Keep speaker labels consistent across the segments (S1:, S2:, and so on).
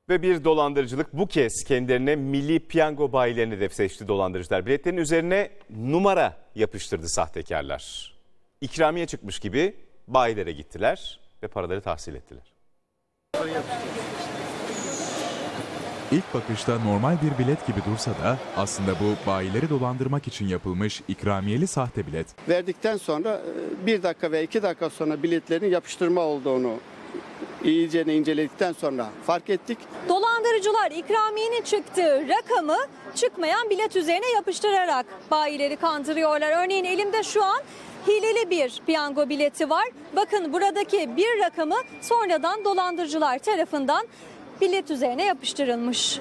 S1: Ve bir dolandırıcılık bu kez kendilerine milli piyango bayilerini hedef seçti dolandırıcılar. Biletlerin üzerine numara yapıştırdı sahtekarlar. İkramiye çıkmış gibi bayilere gittiler ve paraları tahsil ettiler.
S2: İlk bakışta normal bir bilet gibi dursa da aslında bu bayileri dolandırmak için yapılmış ikramiyeli sahte bilet.
S3: Verdikten sonra 1 dakika ve 2 dakika sonra biletlerin yapıştırma olduğunu iyice inceledikten sonra fark ettik.
S4: Dolandırıcılar ikramiyenin çıktığı rakamı çıkmayan bilet üzerine yapıştırarak bayileri kandırıyorlar. Örneğin elimde şu an hileli bir piyango bileti var. Bakın buradaki bir rakamı sonradan dolandırıcılar tarafından bilet üzerine yapıştırılmış.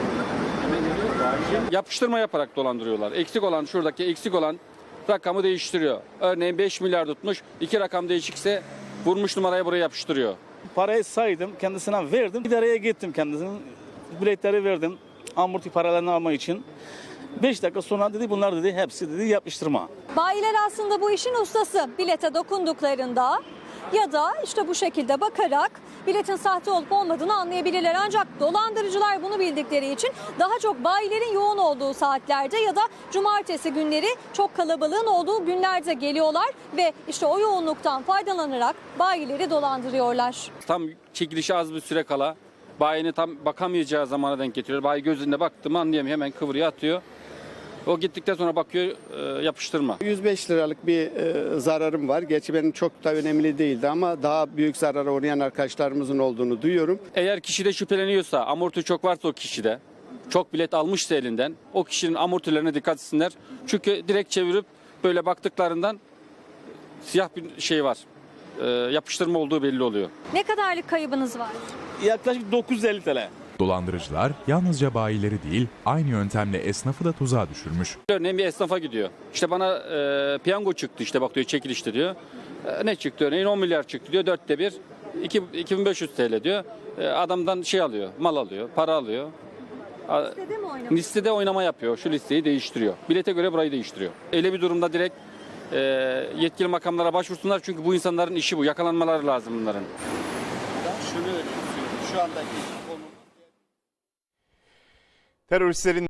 S5: Yapıştırma yaparak dolandırıyorlar. Şuradaki eksik olan rakamı değiştiriyor. Örneğin 5 milyar tutmuş, 2 rakam değişikse vurmuş numarayı buraya yapıştırıyor.
S6: Parayı saydım, kendisine verdim. İdareye gittim kendisinin. Biletleri verdim amorti paralarını almak için. 5 dakika sonra dedi bunlar dedi hepsi dedi yapıştırma.
S4: Bayiler aslında bu işin ustası. Bilete dokunduklarında ya da işte bu şekilde bakarak biletin sahte olup olmadığını anlayabilirler. Ancak dolandırıcılar bunu bildikleri için daha çok bayilerin yoğun olduğu saatlerde ya da cumartesi günleri çok kalabalığın olduğu günlerde geliyorlar ve işte o yoğunluktan faydalanarak bayileri dolandırıyorlar.
S5: Tam çekilişe az bir süre kala bayinin tam bakamayacağı zamana denk getiriyor. Bayi gözünde baktı mı anlayamıyor, hemen kıvırıyor atıyor. O gittikten sonra bakıyor yapıştırma.
S3: 105 liralık bir zararım var. Gerçi benim çok da önemli değildi ama daha büyük zarara uğrayan arkadaşlarımızın olduğunu duyuyorum.
S5: Eğer kişide şüpheleniyorsa, amorti çok varsa o kişide, çok bilet almışsa elinden, o kişinin amortilerine dikkat etsinler. Çünkü direkt çevirip böyle baktıklarından siyah bir şey var. Yapıştırma olduğu belli oluyor.
S4: Ne kadarlık kaybınız var?
S6: Yaklaşık 950 TL.
S2: Dolandırıcılar yalnızca bayileri değil aynı yöntemle esnafı da tuzağa düşürmüş.
S5: Örneğin bir esnafa gidiyor. İşte bana piyango çıktı işte bak diyor çekilişte diyor. Ne çıktı örneğin 10 milyar çıktı diyor 4'te 1 2500 TL diyor. Adamdan şey alıyor, mal alıyor, para alıyor.
S4: Listede mi oynamak?
S5: Listede oynama yapıyor. Şu listeyi değiştiriyor. Bilete göre burayı değiştiriyor. Öyle bir durumda direkt yetkili makamlara başvursunlar. Çünkü bu insanların işi bu. Yakalanmaları lazım bunların.
S3: Şunu şu andaki
S1: Teröristlerin